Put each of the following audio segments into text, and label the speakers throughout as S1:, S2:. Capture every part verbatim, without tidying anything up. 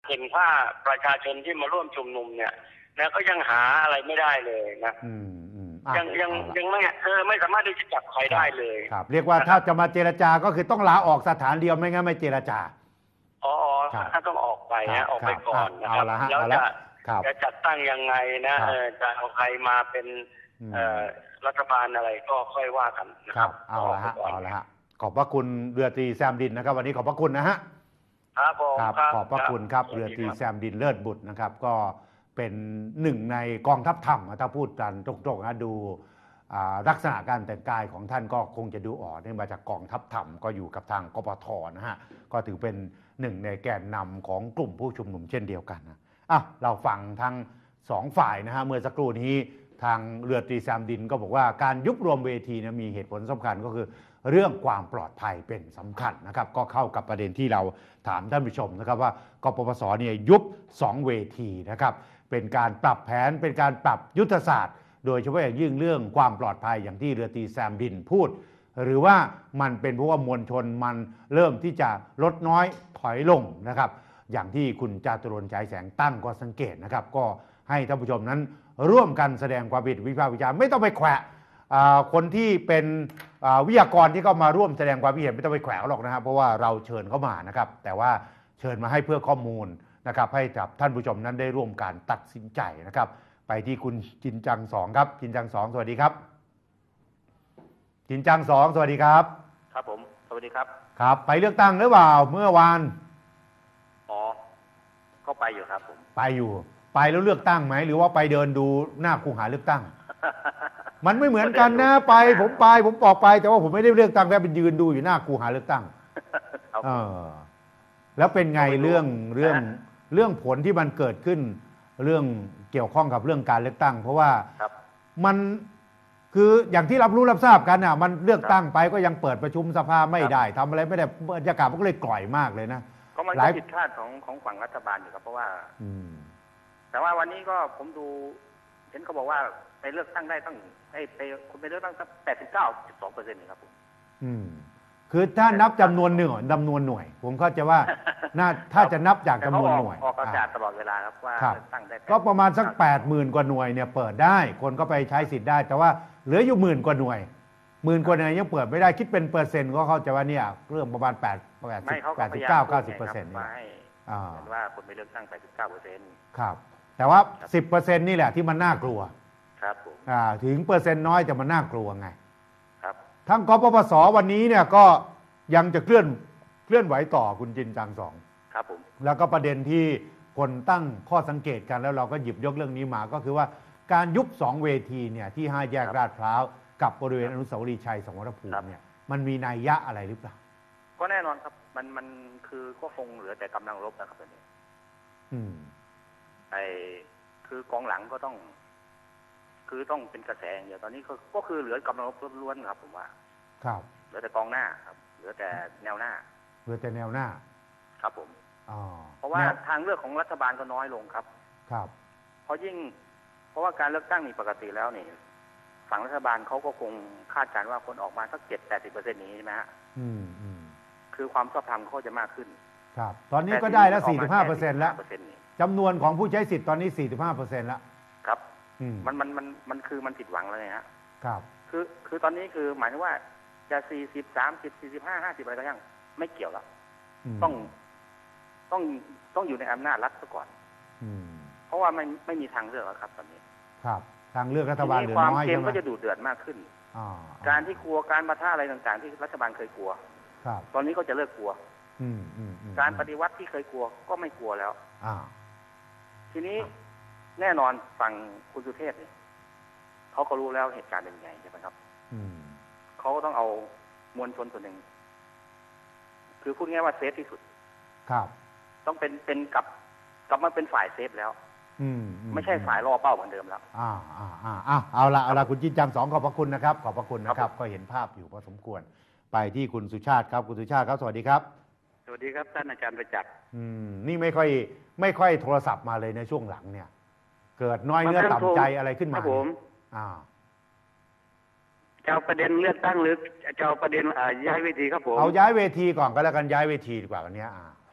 S1: เห็นว่าประชาชนที่มาร่วมชุมนุมเนี่ยนะก็ยังหาอะไรไม่ได้เลยนะยังยังยังไม่เออไม่สามารถที่จะจับใครได้เลย
S2: ครับเรียกว่าถ้าจะมาเจรจาก็คือต้องลาออกสถานเดียวไม่งั้นไม่เจรจา
S1: อ๋อถ้าต้องออกไปนะออกไปก่อนนะครับแล้วจะจะจัดตั้งยังไงนะจะเอาใครมาเป็นรัฐบาลอะไรก็ค่อยว่ากันนะครับ
S2: เอาละฮะเอาละฮะขอบพระคุณเรือตรีแซมดินนะครับวันนี้ขอบพระคุณนะฮะ
S1: ครับผม
S2: ขอบพระคุณครับเรือตรีแซมดินเลิศบุตรนะครับก็เป็นหนึ่งในกองทัพธรรมถ้าพูดกันตรงๆนะดูลักษณะการแต่งกายของท่านก็คงจะดูออกนี่มาจากกองทัพธรรมก็อยู่กับทางกปทนะฮะก็ถือเป็นหนึ่งในแกนนำของกลุ่มผู้ชุมนุมเช่นเดียวกันนะอ่ะเราฟังทั้งสองฝ่ายนะฮะเมื่อสักครู่นี้ทางเรือตรีแซมดินก็บอกว่าการยุบรวมเวทีนะมีเหตุผลสำคัญก็คือเรื่องความปลอดภัยเป็นสำคัญนะครับก็เข้ากับประเด็นที่เราถามท่านผู้ชมนะครับว่ากปปสเนี่ยยุบสองเวทีนะครับเป็นการปรับแผนเป็นการปรับยุทธศาสตร์โดยเฉพาะอย่างยิ่งเรื่องความปลอดภัยอย่างที่เรือตรีแซมดินพูดหรือว่ามันเป็นเพราะว่ามวลชนมันเริ่มที่จะลดน้อยถอยลงนะครับอย่างที่คุณจาตุรนต์ฉายแสงตั้งก็สังเกตนะครับก็ให้ท่านผู้ชมนั้นร่วมกันแสดงความคิดวิพากษ์วิจารณ์ไม่ต้องไปแขวะคนที่เป็นวิทยากรที่เข้ามาร่วมแสดงความคิดเห็นไม่ต้องไปแขวะหรอกนะครับเพราะว่าเราเชิญเข้ามานะครับแต่ว่าเชิญมาให้เพื่อข้อมูลนะครับให้กับท่านผู้ชมนั้นได้ร่วมการตัดสินใจนะครับไปที่คุณจินจังสองครับจินจังสองสวัสดีครับจินจังสองสวัสดีครับ
S3: ครับผมสวัสดีครับ
S2: ครับไปเลือกตั้งหรือเปล่าเมื่อวาน
S3: อ๋อก็ไปอยู่ครับผม
S2: ไปอยู่ไปแล้วเลือกตั้งไหมหรือว่าไปเดินดูหน้าคูหาเลือกตั้งมันไม่เหมือนกันนะไปผมไปผมบอกไปแต่ว่าผมไม่ได้เลือกตั้งแค่เป็นยืนดูอยู่หน้าคูหาเลือกตั้งเออแล้วเป็นไงเรื่องเรื่องเรื่องผลที่มันเกิดขึ้นเรื่องเกี่ยวข้องกับเรื่องการเลือกตั้งเพราะว่ามันคืออย่างที่รับรู้รับทราบกันอ่ะมันเลือกตั้งไปก็ยังเปิดประชุมสภาไม่ได้ทำอะไรไม่ได้บรรยากาศมันก็เลยกล่อยมากเลยนะ
S3: ก็มันก็ผิดคาดของของฝั่งรัฐบาลอยู่ครับเพราะว่าแต่ว่าวันนี้ก็ผมดูเห็นเขาบอกว่าไปเลือกตั้งได้ตั้งไอ้ไปคุณไปเลือกตั้งตั้งแปดสิบเก้าจุดสองเปอร์เซ็นต์นี่ครับผม
S2: อืมคือถ้านับจำนวนหนึ่งจำนวนหน่วยผมเข้าใจว่าน่าถ้าจะนับจากจำนวนหน่วย
S3: ออกประกาศตลอดเวลาครับว่า
S2: ตั้งได้ก็ประมาณสักแปดหมื่นกว่าหน่วยเนี่ยเปิดได้คนก็ไปใช้สิทธิ์ได้แต่ว่าเหลืออยู่หมื่นกว่าหน่วยหมื่นกว่าหน่วยยังเปิดไม่ได้คิดเป็นเปอร์เซ็นต์ก็เข้าใจว่าเนี่ยเรื่องประมาณแปดแปดสิบแปดสิบเก้าเก้าสิบเปอร์เซ็นต์
S3: นี่ว่าคนไปเลือกตั้งแปดสิบเก้าเปอร์เซ็นต์
S2: ครับแต่ว่าสิบเปอร์เซ็นต์นี่แหละที่มันน่ากลัว
S3: ครับผม
S2: ถึงเปอร์เซ็นต์น้อยแต่มันน่ากลัวไง
S3: ครับ
S2: ทั้งกปปสวันนี้เนี่ยก็ยังจะเคลื่อนเคลื่อนไหวต่อคุณจินจังสอง
S3: ครับผม
S2: แล้วก็ประเด็นที่คนตั้งข้อสังเกตกันแล้วเราก็หยิบยกเรื่องนี้มาก็คือว่าการยุบสองเวทีเนี่ยที่ห้าแยกลาดพร้าวกับบริเวณอนุสาวรีย์ชัยสมรภูมิเนี่ยมันมีนัยยะอะไรหรือเปล่า
S3: ก็แน่นอนครับมันมันคือก็คงเหลือแต่กำลังรบนะครับตอนนี้
S2: อืม
S3: ไอ้คือกองหลังก็ต้องคือต้องเป็นกระแสอย่างเดียวตอนนี้ก็ก็คือเหลือกำลังรบล้วนๆครับผมว่า
S2: ครับ
S3: เหลือแต่กองหน้าครับเหลือแต่แนวหน้า
S2: เหลือแต่แนวหน้า
S3: ครับผม
S2: อ๋อ
S3: เพราะว่าทางเลือกของรัฐบาลก็น้อยลงครับ
S2: ครับ
S3: เพราะยิ่งเพราะว่าการเลือกตั้งนี่ปกติแล้วนี่ฝั่งรัฐบาลเขาก็คงคาดการณ์ว่าคนออกมาสักเจ็ดแปดสิบเปอร์เซ็นต์นี้ใช่ไหมฮะ
S2: อืมอืม
S3: คือความชอบธรรมเขาจะมากขึ้น
S2: ครับตอนนี้ก็ได้แล้วสี่สิบห้าเปอร์เซ็นต์แล้วจำนวนของผู้ใช้สิทธิ์ตอนนี้สี่สิบห้าเปอร์เซ็นต์แล้ว
S3: ครับมันมันมันมันคือมันผิดหวังแล้วไงฮะ
S2: ครับ
S3: คือคือตอนนี้คือหมายถึงว่าจะสี่สิบสามสิบสี่สิบห้าห้าสิบอะไรก็ยังไม่เกี่ยวแล้วต้องต้องต้องอยู่ในอำนาจรัฐซะก่อนเพราะว่าไม่ไม่มีทางเลือกแล้วครับตอนนี้
S2: ครับทางเลือกรัฐบาลเหลือ
S3: น้
S2: อย
S3: ใช่ไหมความเกมก็จะดูเดือดมากขึ้นการที่กลัวการปะทะอะไรต่างๆที่รัฐบาลเคยกลัวตอนนี้ก็จะเลิกกลัวการปฏิวัติที่เคยกลัวก็ไม่กลัวแล้วทีนี้แน่นอนฝั่งคุณสุเทพเนี่ยเขาก็รู้แล้วเหตุการณ์เป็นไงใช่ไหมครับเขาก็ต้องเอามวลชนส่วนหนึ่งคือพูดง่ายว่าเซฟที่สุด
S2: ครับ
S3: ต้องเป็นเป็นกับกลับมาเป็นฝ่ายเซฟแล้วไม่ใช่ฝ่ายล่อเป้าเหมือนเดิมแล้ว
S2: อ่าอ่าอ่าอ่าเอาละเอาละคุณจินจังสองขอบพระคุณนะครับขอบพระคุณนะครับก็เห็นภาพอยู่พอสมควรไปที่คุณสุชาติครับคุณสุชาติครับสวัสดีครับ
S4: สวัสดีครับท่านอาจารย์ประจักษ์
S2: อืมนี่ไม่ค่อยไม่ค่อยโทรศัพท์มาเลยในช่วงหลังเนี่ยเกิดน้อยเนื้อต่ำใจอะไรขึ้นมา
S4: ผม
S2: อ่า
S4: จะเอาประเด็นเลือกตั้งหรือจะเอาประเด็นย้ายเวทีครับผม
S2: เอาย้ายเวทีก่อนก็แล้วกันย้ายเวทีดีกว่าวันนี้อ่า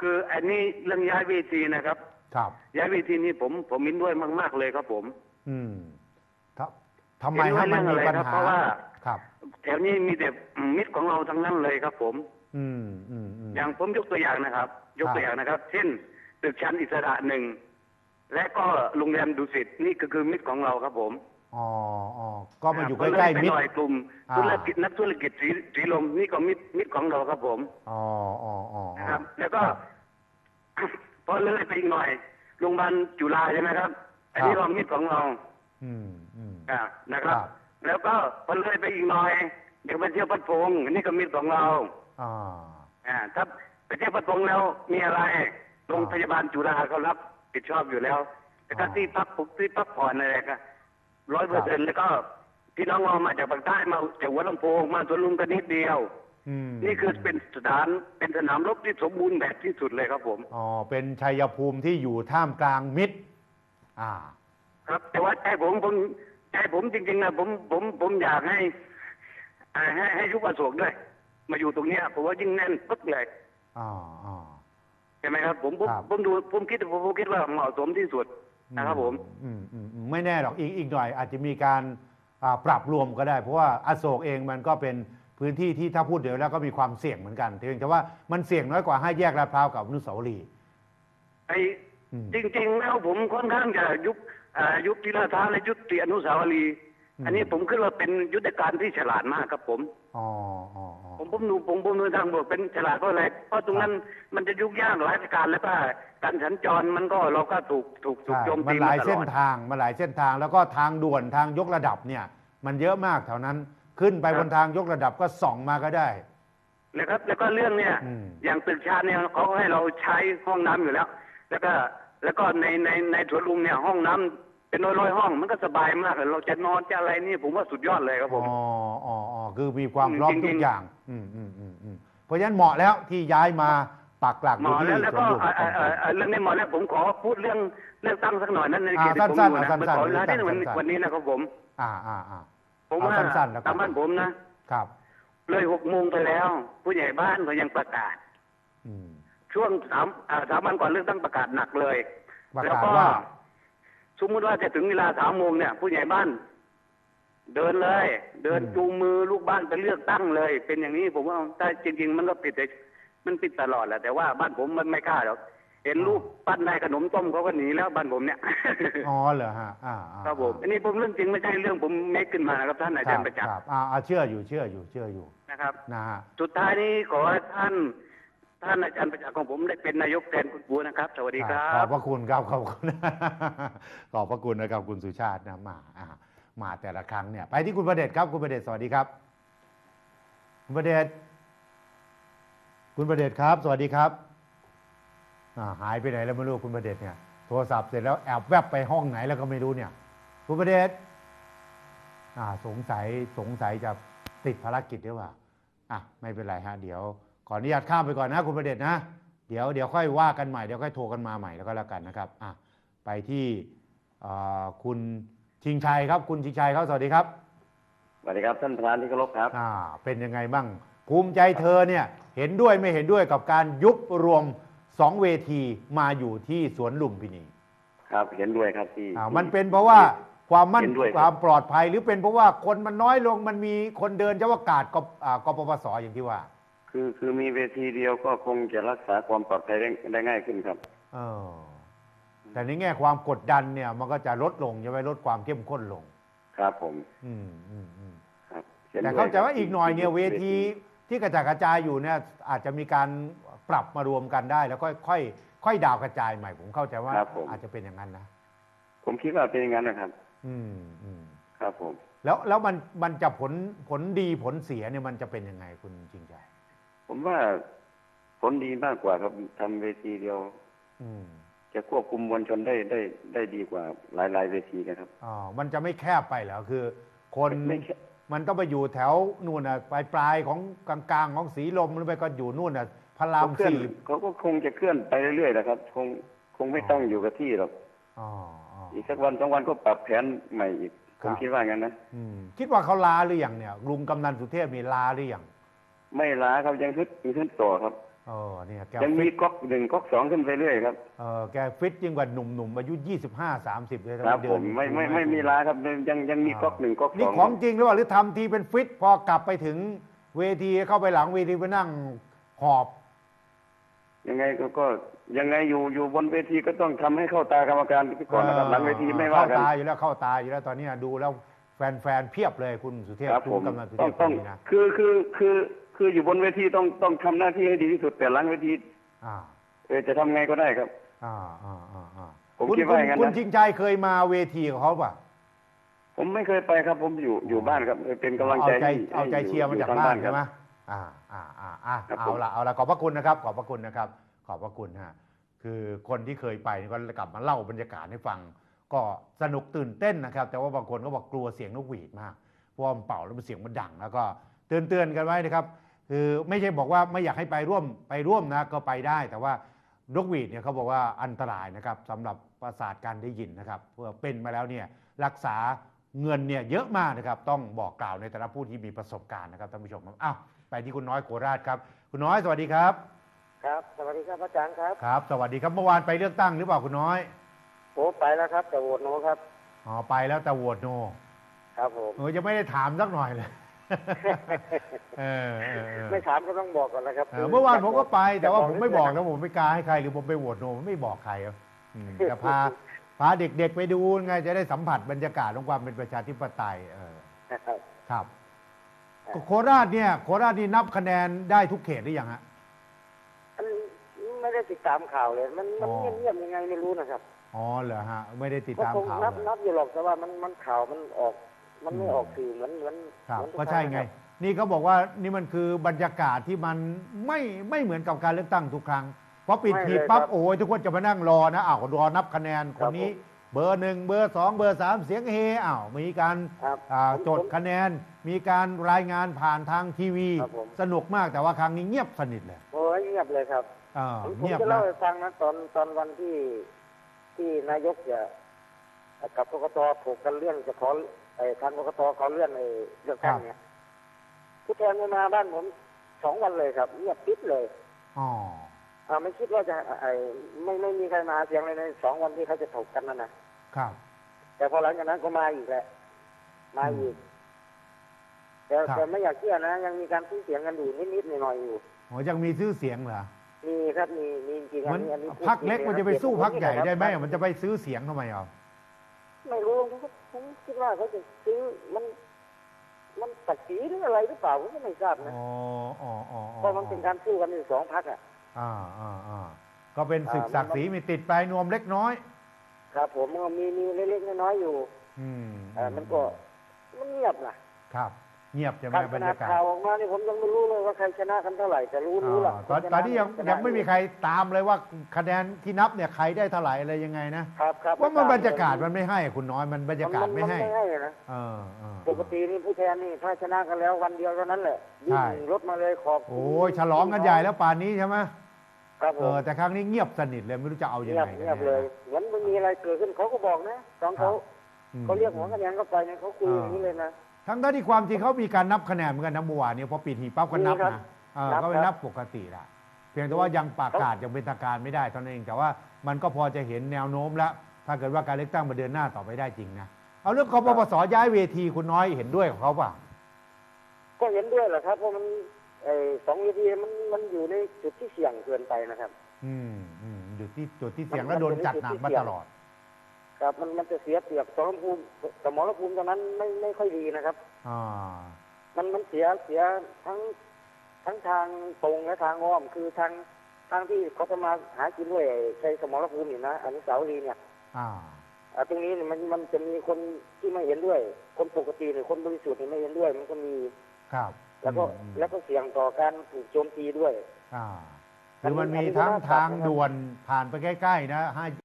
S4: คืออันนี้เรื่องย้ายเวทีนะครับ
S2: ครับ
S4: ย้ายเวทีนี้ผมผมมินด้วยมาก ๆเลยครับผม
S2: อืมทำไมให้มันมีปัญหา
S4: เพราะว่า
S2: ครับ
S4: แถวนี้มีแต่มิตรของเราทั้งนั้นเลยครับผม
S2: อืมอืมอืม
S4: อย่างผมยกตัวอย่างนะครับ ยกตัวอย่างนะครับ เช่นตึกชั้นอิสระหนึ่งและก็โรงแรมดุสิตนี่ก็คือมิตรของเราครับผม
S2: อ๋ออ๋อก็มาอยู่ใกล้ๆมิตร
S4: กลุ่มธุรกิจนักธุรกิจสีสีลมนี่ก็มิตรมิตรของเราครับผม
S2: อ๋ออ๋ออ๋อ
S4: ครับ แล้วก็พอเลยไปอีกหน่อยโรงพยาบาลจุฬาใช่ไหมครับอันนี้ก็มิตรของเรา
S2: อืมอืม
S4: อ่านะครับ แล้วก็พอเลยไปอีกหน่อยเดี๋ยวไปเที่ยวพัดพงอันนี้ก็มิตรของเรา
S2: อ่า
S4: อ่าถ้าไปเที่ยวพัดพงแล้วมีอะไรโรงพยาบาลจุฬาเขารับผิดชอบอยู่แล้วแต่ถ้าที่พักปุ๊บที่พักผ่อนอะไรก็ร้อยเปอร์เซ็นต์แล้วก็พี่น้องเรามาจากภาคใต้มาจากหัวลำโพงมาสวนลุมกันนิดเดียวนี่คือเป็นสถานเป็นสนามรบที่สมบูรณ์แบบที่สุดเลยครับผม
S2: อ๋อเป็นชัยภูมิที่อยู่ท่ามกลางมิตรอ่า
S4: ครับแต่ว่าใจผมผมใจผมจริงๆนะผมผมผมอยากให้ให้ให้ยุบอโศกด้วยมาอยู่ตรงนี้ผมว่ายิ่งแน่นปึ๊กเลย
S2: อ๋ออ๋อ
S4: ใช่ไหมครับผมผมผมดูผมคิดผมคิดว่าเหมาะสมที่สุดนะครับผม
S2: อืมอืมไม่แน่หรอกอีกอีกหน่อยอาจจะมีการปรับรวมก็ได้เพราะว่าอโศกเองมันก็เป็นพื้นที่ที่ถ้าพูดเดี๋ยวแล้วก็มีความเสี่ยงเหมือนกันเพียงแต่ว่ามันเสี่ยงน้อยกว่าให้แยกลาดพร้าวกับอนุสาวรีย์
S4: ไอ้จริงๆแล้วผมค่อนข้างจะยุบยุบที่ลาดพร้าวและยุบที่อนุสาวรีย์อันนี้ผมคิดว่าเป็นยุทธการที่ฉลาดมากครับผม
S2: อ๋ออ๋อ
S4: ผมผมดูผมผมดูทางบวกเป็นฉลาดเพราะอะไรเพราะตรงนั้นมันจะยุ่งยากหลายการแล้วก็การสัญจรมันก็เราก็ถูกถูกถูกโจมตี
S2: มันหลายเส้นทางมันหลายเส้นทางแล้วก็ทางด่วนทางยกระดับเนี่ยมันเยอะมากแถวนั้นขึ้นไปบนทางยกระดับก็ส่องมาก็ได้
S4: แล้วครับแล้วก็เรื่องเนี่ยอย่างตึกชาติเนี่ยเขาให้เราใช้ห้องน้ำอยู่แล้วแล้วก็แล้วก็ในในในสวนลุมเนี่ยห้องน้ำเป็นร้อยๆห้องมันก็สบายมากเลยเราจะนอนจะอะไรนี่ผมว่าสุดยอดเลยครับผม
S2: อ๋ออ๋ออ๋อคือมีความพร้อมทุกอย่างอืมอืมอืมอืมเพราะฉะนั้นเหมาะแล้วที่ย้ายมาปักหลักอยู่ที่สวนลุม
S4: แล้วก็เรื่องนี้เหมาะแล้วผมขอพูดเรื่องเรื่องตั้งสักหน่อยนั้นในเขต
S2: ที่ผมอยู่นะ
S4: ขอเวลาที่วันนี้นะครับผม
S2: อ่าอ่าอ่า
S4: ผมว่าตามบ้านผมนะครับเลยหกโมงไปแล้วผู้ใหญ่บ้านเขายังประกาศช่วงสามสามวันก่อนเลือกตั้งประกาศหนักเลยแล้วก็สมมติว่าจะถึงเวลาสามโมงเนี่ยผู้ใหญ่บ้านเดินเลยเดินจูงมือลูกบ้านไปเลือกตั้งเลย เป็นอย่างนี้ผมว่าแต่จริงๆมันก็ปิดมันปิดตลอดแหละแต่ว่าบ้านผมมันไม่กล้าหรอกเห็นลูกปั้นได้ขนมต้มเขาก็หนีแล้วบ้านผมเนี่ย
S2: อ๋อเหรอฮะอ่า
S4: ครับผมอันนี้ผมเรื่องจริงไม่ใช่เรื่องผมเมคขึ้นมานะครับท่านอาจารย์ประจักษ์
S2: อ่าเชื่ออยู่เชื่ออยู่เชื่ออยู่
S4: นะครับ
S2: นะฮะ
S4: สุดท้ายนี้ขอให้ท่านท่านอาจารย์ประจักษ์ของผมได้เป็นนายกแทนคุณบัวนะครับสวัสดีครับ
S2: ขอบพระคุณครับขอบคุณขอบพระคุณนะครับคุณสุชาตินะมาอ่ามาแต่ละครั้งเนี่ยไปที่คุณประเดชครับคุณประเดชสวัสดีครับคุณประเดชคุณประเดชครับสวัสดีครับหายไปไหนแล้วไม่รู้คุณประเดชเนี่ยโทรศัพท์เสร็จแล้วแอบแวบไปห้องไหนแล้วก็ไม่รู้เนี่ยคุณประเดชสงสัยสงสัยจะติดภารกิจหรือเปล่าอ่ะไม่เป็นไรฮะเดี๋ยวขออนุญาตข้ามไปก่อนนะคุณประเดชนะเดี๋ยวเดี๋ยวค่อยว่ากันใหม่เดี๋ยวค่อยโทรกันมาใหม่แล้วก็แล้วกันนะครับอ่ะไปที่คุณชิงชัยครับคุณชิงชัยครับสวัสดีครับ
S5: สวัสดีครับท่านประธานที่เคารพครับ
S2: อ่าเป็นยังไงบ้างภูมิใจเธอเนี่ยเห็นด้วยไม่เห็นด้วยกับการยุบรวมสองเวทีมาอยู่ที่สวนลุมพินี
S5: ครับเห็นด้วยครับที่
S2: อ่ามันเป็นเพราะว่าความมั่นความปลอดภัยหรือเป็นเพราะว่าคนมันน้อยลงมันมีคนเดินเฉพาะกาดกกปปสอย่างที่ว่า
S5: คือคือมีเวทีเดียวก็คงจะรักษาความปลอดภัยได้ง่ายขึ้นครับ
S2: เออแต่ในแง่ความกดดันเนี่ยมันก็จะลดลงจะไม่ลดความเข้มข้นลง
S5: ครับผม
S2: อืมอืมอืม
S5: ครับ
S2: แต่เข้าใจว่าอีกหน่อยเนี่ยเวทีที่กระจายกระจายอยู่เนี่ยอาจจะมีการปรับมารวมกันได้แล้วก็ค่อยค่อยดาวกระจายใหม่ผมเข้าใจว่าอาจจะเป็นอย่างนั้นนะ
S5: ผมคิดว่าเป็นอย่างนั้นนะครับ
S2: อืมอืม
S5: ครับผม
S2: แล้วแล้วมันมันจะผลผลดีผลเสียเนี่ยมันจะเป็นยังไงคุณจริงใจ
S5: ผมว่าผลดีมากกว่าครับทำเวทีเดียว
S2: อืม
S5: จะควบคุมมวลชนได้ได้ได้ดีกว่าหลายหลายเวทีกันครับ
S2: อ๋อมันจะไม่แคบไปเหรอคือคนมันต้องไปอยู่แถวนู่นน่ะปลายปลายของกลางๆของสีลมหรือไปก็อยู่นู่นน่ะพระรามสี่
S5: เขาก็คงจะเคลื่อนไปเรื่อยๆนะครับคงคงไม่ต้องอยู่กับที่หรอก
S2: อ๋อ
S5: อีกสักวันสองวันก็ปรับแผนใหม่อีกผมคิดว่างั้นนะ
S2: คิดว่าเขาลาหรือยังเนี่ยลุงกำนันสุเทพมีลาหรือยัง
S5: ไม่ลาครับยังฮึดยังฮึดต่อครับ
S2: เออเนี่ยแก
S5: ยังมี
S2: ฟิต
S5: ก๊อกหนึ่งก๊อกสองขึ้นไปเรื่อยครับ
S2: เออแกฟิตยิ่งกว่าหนุ่มๆอายุยี่สิบห้าสามสิบเลย
S5: ครับ
S2: เดิ
S5: ผ
S2: น
S5: มไม่ไม่ไม่มีลาครับยังยังมีก๊อกหนึ่งก๊อกสอง
S2: นี่ของจริงหรือเปล่าหรือทำทีเป็นฟิตพอกลับไปถึงเวทีเข้าไปหลังเวทีไปนั่งหอบ
S5: ยังไงก็ก็ยังไงอยู่อยู่บนเวทีก็ต้องทำให้เข้าตากรรมการก่อนนะครับหลังเวทีไม่ว่ากัน
S2: เข้าตาอยู่แล้วเข้าตาอยู่แล้วตอนนี้ดูแล้วแฟนๆเพียบเลยคุณสุเทพ
S5: ครับ
S2: คุ
S5: ผ
S2: ณ
S5: ม
S2: กำลังสุเท
S5: ต้อง
S2: พ
S5: ต้อง
S2: นี่นะ
S5: คือคือคือคืออยู่บนเวทีต้องต้องทำหน้าที่ให้ดีที่สุดแต่หลังเวที
S2: อ่า
S5: เออจะทำไงก็ได้ครับ
S2: อ่าอ่าอ่าอ่า
S5: ผม
S2: คุณ
S5: คิดว่าอย่างนั้นนะ
S2: คุณชิงชัยเคยมาเวทีของเขาป่ะ
S5: ผมไม่เคยไปครับ ผมอยู่อยู่บ้านครับเป็นกำลัง
S2: เอา
S5: ใจ
S2: ใจ
S5: ให้
S2: เอาใจ
S5: ให้
S2: เชียร์มาจาก
S5: ทง
S2: บ้าน
S5: ค
S2: ใช่
S5: รับ
S2: ไหมอ่าอ่าอ่าอ่า
S5: ครับ
S2: เอา
S5: ผม
S2: ละเอาละขอบพระคุณนะครับ ขอบพระคุณนะครับ ขอบพระคุณฮะคือคนที่เคยไปก็กลับมาเล่าบรรยากาศให้ฟัง ก็สนุกตื่นเต้นนะครับ แต่ว่าบางคนก็บอกกลัวเสียงนกหวีดมากเพราะว่ามันเป่าแล้วมันเสียงมันดัง แล้วก็เตือนเตือนกันไว้นะครับ คือไม่ใช่บอกว่าไม่อยากให้ไปร่วมไปร่วมนะก็ไปได้ แต่ว่านกหวีดเนี่ยเขาบอกว่าอันตรายนะครับสำหรับประสาทการได้ยินนะครับเพื่อเป็นมาแล้วเนี่ยรักษาเงินเนี่ยเยอะมากนะครับต้องบอกกล่าวในแต่ละผู้ที่มีประสบการณ์นะครับท่านผู้ชมครับอ้าวไปที่คุณน้อยโคราชครับคุณน้อยสวัสดีครับ
S6: ครับสวัสดีครับอาจารย์ครับ
S2: ครับสวัสดีครับเมื่อวานไปเลือกตั้งหรือเปล่าคุณน้อย
S6: โอ้ไปแล้วครับแต่โหวตโนครับ
S2: อ๋อไปแล้วแต่โหวตโน
S6: ครับผม
S2: เออยังไม่ได้ถามสักหน่อยเลย เออเออเออ
S6: ไม่ถามก็ต้องบอกก่อนนะครับ
S2: เออเมื่อวานผมก็ไปแต่ว่าผมไม่บอก
S6: นะ
S2: นะผมไม่กล้าให้ใครหรือผมไปโหวตโนผมไม่บอกใครครับอืมจะพาพาเด็กๆไปดูไงจะได้สัมผัสบรรยากาศของความเป็นประชาธิปไตยเออ
S6: ครับ
S2: ครับโคราชเนี่ยโคราชนี่นับคะแนนได้ทุกเขตหรือยังฮะ
S6: อันไม่ได้ติดตามข่าวเลย มันมัน
S2: อ๋อ
S6: เงียบๆยังไงไม่รู้นะครับ
S2: อ๋อเหรอฮะไม่ได้ติด
S6: ก็
S2: ตาม
S6: คง
S2: ข่าว
S6: นับ
S2: เลย
S6: นับอยู่หรอกแต่ว่ามันมันข่าวมันออก มันไม่
S2: อืม
S6: ออกสื่อเหมือนเหมือน
S2: ครับ
S6: เหมือนทุ
S2: ก็ใช่
S6: ครั้
S2: ไง
S6: ครับ
S2: นี่เขาบอกว่านี่มันคือบรรยากาศที่มันไม่ไม่เหมือนกับการเลือกตั้งทุกครั้งพอปิดหีบปั๊บโอ้ยทุกคนจะมานั่งรอนะอ้าวรอนับคะแนนคนนี้ เบอร์หนึ่งเบอร์สองเบอร์สามเสียงเฮอ้าวมีการ
S6: ครับ
S2: อ่า
S6: ผม
S2: จดคะแนน มีการรายงานผ่านทางทีวี
S6: ครับผม
S2: สนุกมากแต่ว่าครั้งนี้เงียบสนิทเลย
S6: โอ้ยเงียบเลยครับ
S2: อ่า
S6: ผมผม
S2: เงียบ
S6: จะ
S2: นะ
S6: เล่าให้ฟังนะตอนตอนวันที่ที่นายกจะกับกกตถกกันเรื่องจะขอไอ้ทางกกตขอเลื่อนไอ้เรื่องตั้งเนี่ยผู้แทนไม่มาบ้านผมสองวันเลยครับเงียบปิดเลย
S2: อ๋อ
S6: อ่าไม่คิดว่าจะไอ้ไม่ไม่มีใครมาเสียงเลยในสองวันที่เขาจะถกกันนั่นนะครับ แต่พอหลังจากนั้นก็มาอีกแหละมาอีกแต่
S2: ครับ
S6: แต่ไม่อยากเชื่อนะ ยังมีการซื้อเสียงกันอยู่นิดๆหน่อยๆอยู่
S2: โอ้ยังมีชื่อเสียงเหรอ
S6: มีครับมีมีจริงๆอั
S2: มัน น
S6: นี้อันนี้พูด
S2: พักเล็ก
S6: จริงๆ
S2: มันจะไปสู้พักใหญ่ได้ไหม
S6: ครับ
S2: มันจะไปซื้อเสียงทำไมอ่ะ
S6: ไม่รู้ผมก็ผมคิดว่าเขาจะซื้อมัน มันตัดสีหรืออะไรหรือเปล่าผมก็ไม่ทราบนะ
S2: อ๋ออ๋ออ๋อ
S6: เพราะมันเป็นการสู้กันอยู่สองพักอ่ะ
S2: อ่าอ่าอ่าก็เป็นศึก
S6: อ่า
S2: ศักดิ์ศรีมีติดปลายนวมเล็กน้อย
S6: ครับ ผมมันมีมีเล็กๆน้อยๆอยู่
S2: อืม
S6: เอ่ามันก็มันเงียบนะครับ
S2: เงียบใช่ไหม
S6: การ
S2: บ
S6: ข
S2: รร
S6: นาด
S2: ยากาศ
S6: ข่าวออกมานี่ผมยังไม่รู้เลยว่าใครชนะกันเท่าไหร่แต่รู้รู้ละ
S2: ตอนตอนนี้ยังยังไม่มีใครตามเลยว่าคะแนนที่นับเนี่ยใครได้เท่าไหร่อะไรยังไงนะครับ
S6: ครับ
S2: ว่ามันบรรยากาศมันไม่ให้คุณน้อยมันบรรยากาศไม่ให้
S6: นไม่ให้นะ
S2: เออเออ
S6: ปกตินี่ผู้แทนนี่ถ้าชนะกันแล้ววันเดียวเท่านั้นแหละวิ่
S2: ใช่
S6: งรถมาเลยขอบคุณ
S2: โอ้ยฉลองกันใหญ่แล้วป่านนี้ใช่ไหม
S6: ครับผ
S2: เอ
S6: ม
S2: อแต่ครั้งนี้เงียบสนิทเลยไม่รู้จะเอายัง
S6: เงียบ
S2: ไงกัน
S6: เงียบเลย เหมือนไม่มีอะไรเกิดขึ้นเขาก็บอกนะตอนเขา
S2: อืม
S6: เขาเรียกหัวคะแนนเข้าไปเนี่ยเขาคุยอย่างนี้เลยนะ
S2: ทั้งด้านที่ความจริงเขามีการนับคะแนนเหมือนกันนะเมื่อวานเนี่ยพอปิดหีบปั๊บก็นับ
S6: มีครับ
S2: นะเออ
S6: นับ
S2: ก็ไป
S6: ครับ
S2: นับปกติละเพียงแต่ว่ายังประกาศยังเป็นทางการไม่ได้เท่านั้นเองแต่ว่ามันก็พอจะเห็นแนวโน้มแล้ว ถ้าเกิดว่าการเลือกตั้งมาเดินหน้าต่อไปได้จริงนะเอาเรื่องกปปสย้ายเวทีคุณน้อยเห็นด้วยกับเขาป่ะ
S6: ก็เห็นด้วยแหละครับเพราะมันไอ้สองเวทีมันมันอยู่ในจุดที่เสี่ยงเกินไปนะครับ
S2: อืมอืมอยู่ที่จุดที่เสี่ยงแล้วโดนจัดหนักมาตลอด
S6: ครับมันมันจะเสียเปรียบสมรภูมิสมรภูมิตอนนั้นไม่ไม่ค่อยดีนะครับ
S2: อ่า
S6: มันมันเสียเสียทั้งทั้งทางตรงและทางอ้อมคือทางทางที่เขาจะมาหากินด้วยใช้สมรภูมิอยู่นะอนุสาวรีย์เนี่ย
S2: อ่า
S6: อ่าตรงนี้เนี่ยมันมันจะมีคนที่ไม่เห็นด้วย คนปกติหรือคนบริสุทธิ์เนี่ยไม่เห็นด้วย มันก็มี
S2: ครับ
S6: แล้วก็
S2: อืม
S6: แล้วก็เสี่ยงต่อการถูกโจมตีด้วย
S2: อ่าคือมันมีทั้งทางด่วนผ่านไปใกล้ๆนะให้